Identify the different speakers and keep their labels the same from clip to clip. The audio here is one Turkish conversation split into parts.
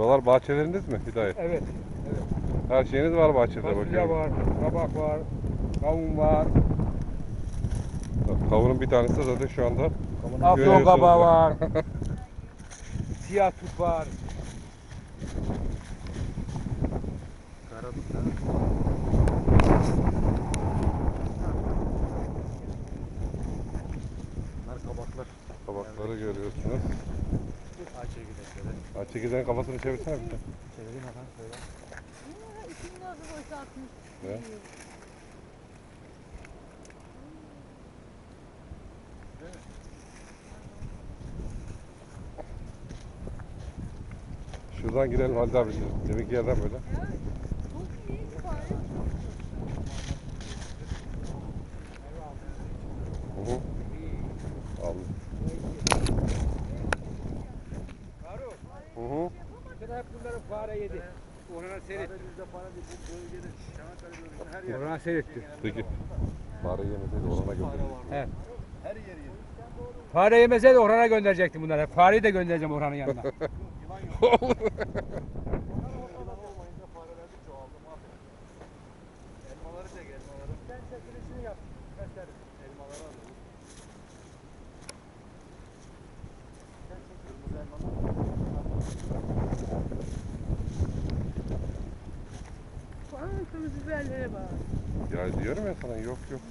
Speaker 1: Buralar bahçeleriniz mi Hidayet?
Speaker 2: Evet. Evet.
Speaker 1: Her şeyiniz var bahçede
Speaker 2: Fasulye
Speaker 1: bakıyorum.
Speaker 2: var, kabak var, kavun var.
Speaker 1: Kavunun bir tanesi de zaten şu anda
Speaker 2: Afyon
Speaker 1: görüyorsunuz
Speaker 2: kabağı
Speaker 1: ya.
Speaker 2: var. Siyah tut var.
Speaker 3: Karadut ha? Bunlar kabaklar.
Speaker 1: Kabakları görüyorsunuz.
Speaker 3: Ağaç çekirdekleri.
Speaker 1: Çekirdeğin kafasını çevirsene bir şey.
Speaker 3: Çevireyim hemen şöyle.
Speaker 4: İçini nasıl boşaltmış?
Speaker 1: Ne? Şuradan girelim Halide abi. Deminki yerden böyle.
Speaker 4: Çok iyi sipariş.
Speaker 1: Hı hı. Aldım.
Speaker 2: Faruk,
Speaker 1: Hı hı.
Speaker 2: sen hep bunları fare yedi. Orana seyretti.
Speaker 3: Bizde para değil. Bu bölgede Çanakkale bölgesinde her yer.
Speaker 2: Orana seyretti.
Speaker 1: Peki. Fare yemeseydi orana götürdüm.
Speaker 2: He.
Speaker 3: Her yer yer.
Speaker 2: Fare yemeseydi Orhan'a gönderecektim bunları. Fareyi de göndereceğim Orhan'ın yanına.
Speaker 3: Yılan yok. Yılan olmayınca fareler de çoğaldı. Mahvoldu. Elmaları çek elmaları. Sen çekilişini yap. Gösterin. Elmaları al. Sen çek kırmızı elmaları.
Speaker 4: Kırmızı biberlere bak.
Speaker 1: Ya diyorum ya sana yok yok.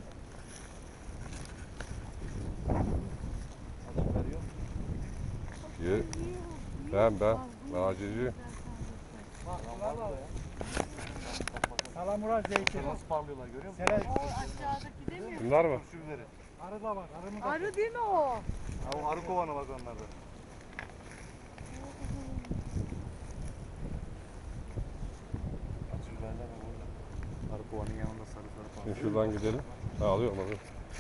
Speaker 3: Adam veriyor.
Speaker 1: Ye. Ben acilci.
Speaker 3: Bak var da ya.
Speaker 2: Salamura zeytin.
Speaker 3: Nasıl parlıyorlar görüyor musun?
Speaker 2: Sele,
Speaker 4: O aşağıdaki değil mi?
Speaker 1: Bunlar mı?
Speaker 3: Şu biberi.
Speaker 2: arı da bak. Arı mı da?
Speaker 4: Arı değil mi o?
Speaker 3: Ha o arı kovanı bak onlarda. Acı biberler var orada. Arı kovanın yanında sarı sarı falan.
Speaker 1: Şimdi şuradan gidelim. Ha alıyorum alıyorum.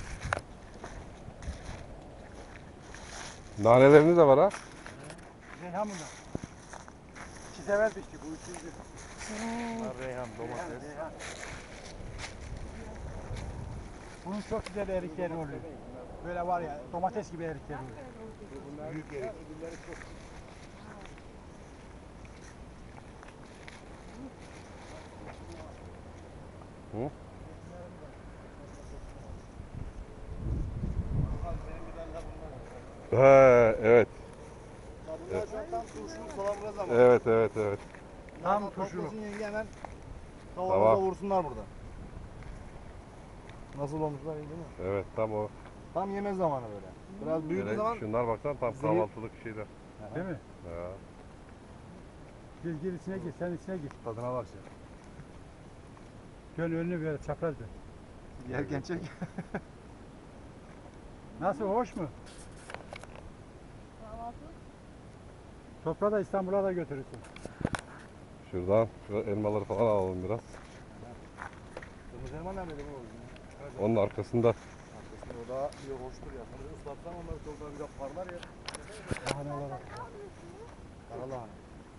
Speaker 1: Naneleriniz de var ha.
Speaker 2: Reyhan bunlar. İki sever pişti. Bu üçüncü.
Speaker 3: Bunlar reyhan, domates.
Speaker 2: Bunun çok güzel erikleri oluyor. Böyle var ya domates gibi erikleri oluyor.
Speaker 3: Büyük erik.
Speaker 1: Hı? He, evet.
Speaker 3: Bunlar şu an tam turşuluk salamura zamanı.
Speaker 1: Evet.
Speaker 2: Tam turşuluk.
Speaker 3: Toplasın yenge hemen
Speaker 1: Tamam.
Speaker 3: kavanoza vursunlar burada. Nasıl olmuşlar iyi değil mi?
Speaker 1: Evet tam o.
Speaker 3: Tam yeme zamanı böyle. Biraz büyüdüğü
Speaker 1: Böyle
Speaker 3: zaman
Speaker 1: şunlar baksana tam
Speaker 3: zehir-
Speaker 1: kahvaltılık şeyler.
Speaker 2: Değil mi?
Speaker 1: Ya.
Speaker 2: Gir içine gir. Sen içine gir.
Speaker 3: tadına bak sen.
Speaker 2: Dön önünü böyle çapraz dön.
Speaker 3: Yerken çek.
Speaker 2: Nasıl hoş mu?
Speaker 4: Kahvaltı.
Speaker 2: Toprağı da İstanbul'a da götürürsün.
Speaker 1: Şuradan şu elmaları falan alalım biraz.
Speaker 3: Kırmızı elma nerede değil mi oğlum?
Speaker 1: Onun arkasında.
Speaker 3: Arkasında o daha bir hoştur ya. Sonra ıslatsan onları çok daha güzel parlar ya.
Speaker 2: Lahanalar.
Speaker 3: Kara lahana.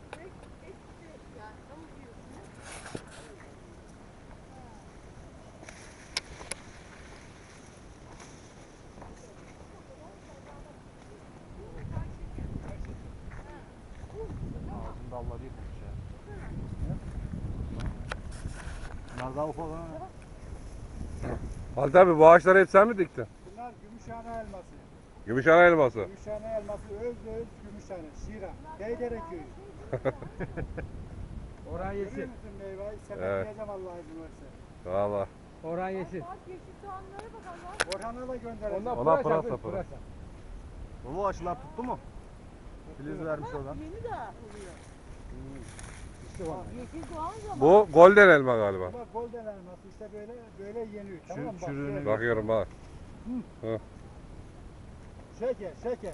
Speaker 3: Ağzın dalları yıkmış ya. Bunlar daha ufak ha.
Speaker 1: Halide abi bu ağaçları hep sen mi diktin?
Speaker 2: Bunlar Gümüşhane elması.
Speaker 1: Gümüşhane elması.
Speaker 2: Gümüşhane elması öz Gümüşhane. Şira. Beydere köyü. Orhan yesin. Görüyor musun meyveyi? Sepetleyeceğim Allah izin verirse.
Speaker 1: Valla.
Speaker 2: Orhan yesin.
Speaker 4: Bak yeşil soğanlara bak Allah.
Speaker 2: Orhan'a da gönderelim.
Speaker 1: Ona pırasa pırasa.
Speaker 3: Bu aşılar tuttu mu? Filiz vermiş oradan.
Speaker 4: Yeni de oluyor. Yeşil soğan zamanı.
Speaker 1: Bu golden elma galiba.
Speaker 2: Bak golden elması işte böyle yeniyor. Tamam mı? Bak,
Speaker 3: çürüğünü
Speaker 2: şöyle.
Speaker 1: Bakıyorum bak.
Speaker 2: Şeker.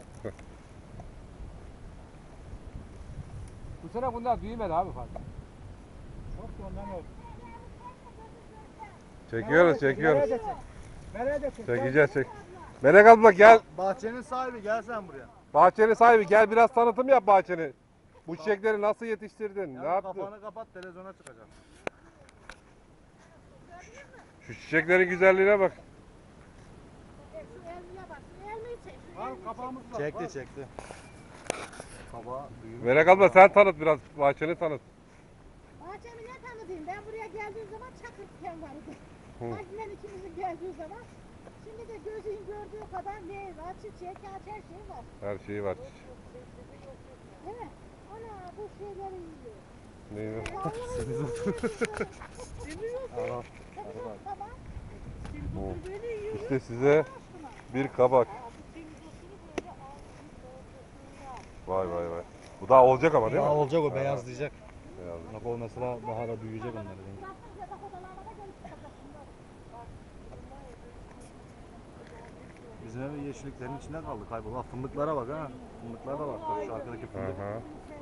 Speaker 2: Bu sene bunlar büyümedi abi fazla. Çok da ondan oldu.
Speaker 1: Çekiyoruz.
Speaker 2: Nereye de çek.
Speaker 1: Çekeceğiz çek. Melek abla gel.
Speaker 3: Bahçenin sahibi gel sen buraya.
Speaker 1: Bahçenin sahibi gel biraz tanıtım yap bahçeni. Bu çiçekleri nasıl yetiştirdin? Ne yaptın?
Speaker 3: Kafanı kapat televizyona çıkacak.
Speaker 1: Şu çiçeklerin güzelliğine bak.
Speaker 4: Şu elmaya bak. Şu elmayı çek. Şu
Speaker 2: Al
Speaker 4: elmayı
Speaker 2: kapağımız var.
Speaker 3: Çekti
Speaker 2: var.
Speaker 3: çekti. Kabağı büyümüş.
Speaker 1: Melek abla sen tanıt biraz. Bahçeni tanıt.
Speaker 4: Bahçemi ne tanıdayım? Ben buraya geldiğim zaman çakır diken vardı.
Speaker 1: Hı.
Speaker 4: Hacmen ikimizin geldiği zaman. Şimdi de gözün gördüğü kadar meyve, çiçek, ağaç her şey var.
Speaker 1: Her şeyi var.
Speaker 4: Değil mi? Ana bu şeyleri yiyor.
Speaker 1: Neyi?
Speaker 3: Ara.
Speaker 4: Tamam.
Speaker 1: Bu.
Speaker 4: Böyle yiyor.
Speaker 1: İşte size bir kabak. Vay vay vay. Bu daha olacak ama değil mi?
Speaker 3: Daha olacak o
Speaker 1: Ha,
Speaker 3: beyazlayacak.
Speaker 1: beyaz.
Speaker 3: Bak o mesela bahara büyüyecek onlar. Bizim ev yeşilliklerin içinde kaldı kayboldu. Bak fındıklara bak ha. Fındıklar da var. Tabii şu arkadaki
Speaker 1: Hı
Speaker 3: fındık.
Speaker 1: hı.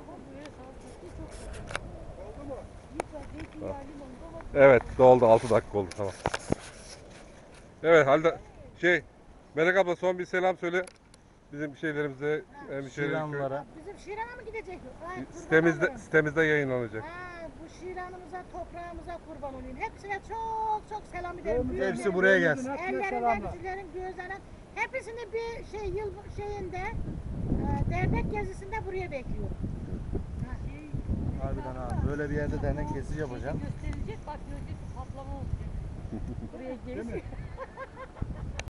Speaker 1: Evet doldu 6 dakika oldu tamam. Evet Halide Melek abla son bir selam söyle. Bizim şeylerimize,
Speaker 3: Şiranlılara.
Speaker 4: Bizim Şiran'a mı gidecek? Ay, kurban
Speaker 1: sitemizde,
Speaker 4: olurum.
Speaker 1: sitemizde yayınlanacak.
Speaker 4: Ha, bu Şiran'ımıza, toprağımıza kurban olayım. Hepsine çok çok selam ederim.
Speaker 2: Hepsi
Speaker 4: Büyüklerin,
Speaker 3: buraya gelsin.
Speaker 4: Ellerinden,
Speaker 2: Selamlar.
Speaker 4: bizlerin, gözlerinden. Hepsini bir yıl şeyinde, dernek gezisinde buraya bekliyorum.
Speaker 3: Harbiden ha. Böyle bir yerde dernek gezisi yapacağım.
Speaker 4: Gösterilecek, bak görecek patlama olacak. Buraya gelsin.